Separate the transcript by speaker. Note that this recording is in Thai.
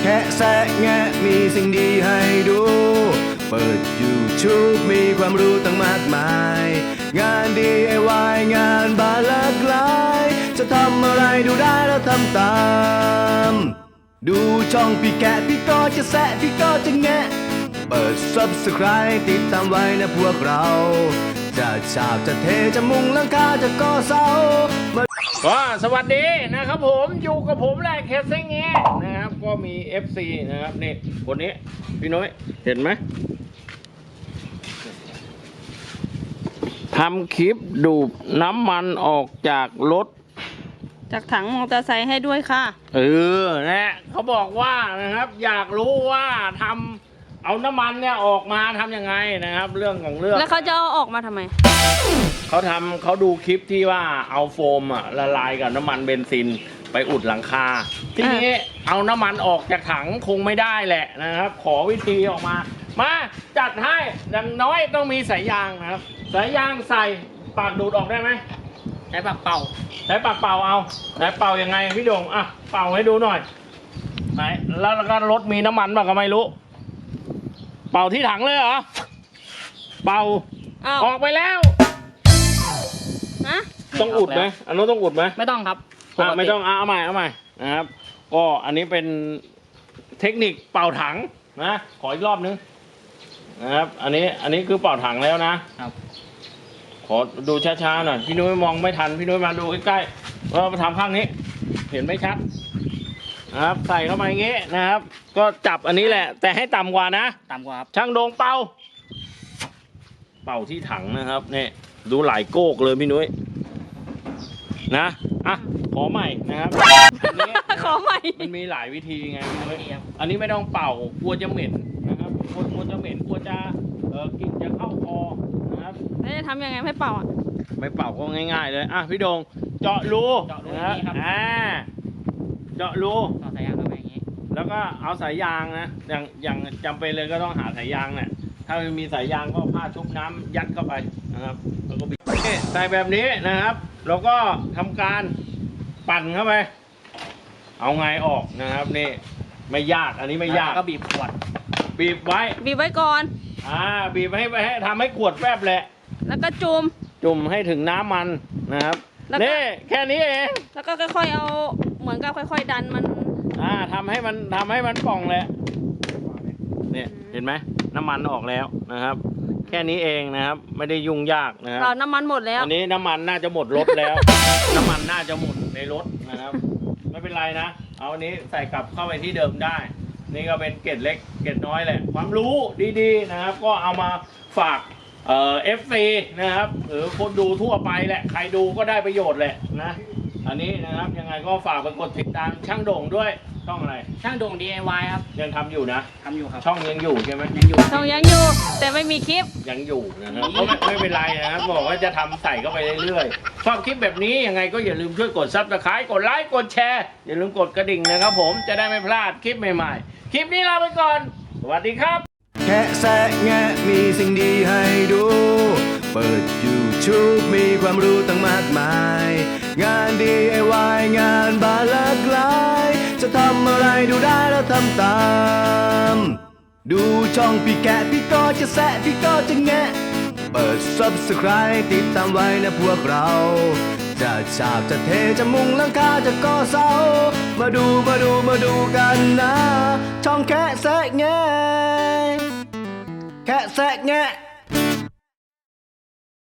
Speaker 1: ค่แซะแงะมีสิ่งดีให้ดู เปิด YouTube มีความรู้ตั้งมากมาย งาน DIY งานบานหลากหลาย จะทำอะไรดูได้แล้วทำตาม ดูช่องพี่แกะพี่ก็จะแซะพี่ก็จะแงะ เปิด Subscribe ติดตามไว้นะพวกเรา จะฉาบจะเทจะมุงหลังคาจะก่อเสา
Speaker 2: ก็สวัสดีนะครับผมอยู่กับผมแหละแคสซิ่งเงี้ยนะครับก็มี FC นะครับนี่คนนี้พี่น้อยเห็นไหมทำคลิปดูดน้ำมันออกจากรถ
Speaker 3: จากถังมอเตอร์ไซค์ให้ด้วยค่ะ
Speaker 2: นะเขาบอกว่านะครับอยากรู้ว่าทำเอาน้ำมันเนี่ยออกมาทำยังไงนะครับเรื่องของเรื่อง
Speaker 3: แล้วเขาจะเอาออกมาทำไม
Speaker 2: เขาดูคลิปที่ว่าเอาโฟมละลายกับน้ำมันเบนซินไปอุดหลังคาทีนี้เอาน้ำมันออกจากถังคงไม่ได้แหละนะครับขอวิธีออกมาจัดให้อย่างน้อยต้องมีสายยางนะครับสายยางใส่ปากดูดออกได้ไหมใช้ปากเป่าเอาไหนเป่ายังไงพี่โด่งเป่าให้ดูหน่อยไหนแล้วก็รถมีน้ำมันบ้างก็ไม่รู้เป่าที่ถังเลยเหรอเป่าออกไปแล้วต้องอุดไหมอันนู้นต้องอุดไหม
Speaker 3: ไม่ต้องครับ
Speaker 2: ไม่ต้องเอาใหม่นะครับก็อันนี้เป็นเทคนิคเป่าถังนะขออีกรอบนึงนะครับอันนี้คือเป่าถังแล้วนะครับขอดูช้าๆหน่อยพี่นุ้ยมองไม่ทันพี่นุ้ยมาดูใกล้ๆเราทำข้างนี้เห็นไม่ชัดนะครับใส่เข้ามาอย่างงี้นะครับก็จับอันนี้แหละแต่ให้ต่ำกว่านะ
Speaker 3: ต่ำกว่าครับ
Speaker 2: ช่างโด่งเป่าที่ถังนะครับนี่ดูหลายโก๊กเลยพี่นุ้ยนะขอใหม่นะครับ
Speaker 3: ขอใหม่
Speaker 2: มันมีหลายวิธีไงพี่นุ้ยอันนี้ไม่ต้องเป่ากลัวจะเหม็นนะครับกลัวจะเหม็นกลัวจะกลิ่นจะเข้าคอนะครับ
Speaker 3: แล้วจะทำยังไงไม่เป่า
Speaker 2: ไม่เป่าก็ง่ายๆเลยพี่โด่งเจาะรู
Speaker 3: นะครับ
Speaker 2: เจาะรู
Speaker 3: ต่อสายยางเข้าไปอย่างนี้
Speaker 2: แล้วก็เอาสายยางนะอย่างจำเป็นเลยก็ต้องหาสายยางเนี่ยถ้าไม่มีสายยางก็ผ้าชุบน้ำยัดเข้าไปนะครับแล้วก็บิดใส่แบบนี้นะครับแล้วก็ทำการปั่นเข้าไปเอาไงออกนะครับนี่ไม่ยากอันนี้ไม่ยาก
Speaker 3: ก็บีบขวด
Speaker 2: บีบไว้
Speaker 3: ก่อน
Speaker 2: บีบให้ทำให้ขวดแฟบแหละ
Speaker 3: แล้วก็จุ่ม
Speaker 2: ให้ถึงน้ำมันนะครับนี่แค่นี้เอง
Speaker 3: แล้วก็ค่อยๆเอาเหมือนกับค่อยๆดันมัน
Speaker 2: ทำให้มันป่องเลยเนี่ยเห็นไหมน้ำมันออกแล้วนะครับแค่นี้เองนะครับไม่ได้ยุ่งยากนะครับ
Speaker 3: น้ำมันหมดแล้ว
Speaker 2: อันนี้น้ำมันน่าจะหมดรถแล้ว น้ำมันน่าจะหมดในรถนะครับไม่เป็นไรนะเอาอันนี้ใส่กลับเข้าไปที่เดิมได้นี่ก็เป็นเกร็ดเล็กเกร็ดน้อยแหละความรู้ดีๆนะครับก็เอามาฝากFC นะครับหรือคนดูทั่วไปแหละใครดูก็ได้ประโยชน์แหละนะอันนี้นะครับยังไงก็ฝากไปกดติดตามช่างโด่งด้วยช่องอะไร
Speaker 3: ช่างโด่ง DIY ครับ
Speaker 2: ยังทำอยู่นะ
Speaker 3: ทำอยู่ครับ
Speaker 2: ช่องยังอยู่ใช่ไหม
Speaker 3: ช่องยังอยู่แต่ไม่มีคลิป
Speaker 2: ยังอยู่นะครับไม่เป็นไรนะครับบอกว่าจะทำใส่เข้าไปเรื่อยๆชอบคลิปแบบนี้ยังไงก็อย่าลืมช่วยกดซับสไครต์กดไลค์กดแชร์อย่าลืมกดกระดิ่งนะครับผมจะได้ไม่พลาดคลิปใหม่ๆคลิปนี้ลาไปก่อนสวัสดีครับ
Speaker 1: แค่แซะแงะมีสิ่งดีให้ดู เปิด YouTube มีความรู้ตั้งมากมาย งาน DIY งานบานหลากหลาย จะทำอะไรดูได้แล้วทำตาม ดูช่องพี่แกะพี่ก็จะแซะพี่ก็จะแงะ เปิด Subscribe ติดตามไว้นะพวกเรา จะฉาบจะเทจะมุงหลังคาจะก่อเสามาดูกันนะช่องแค่แซะแงะแค่แซะแงะ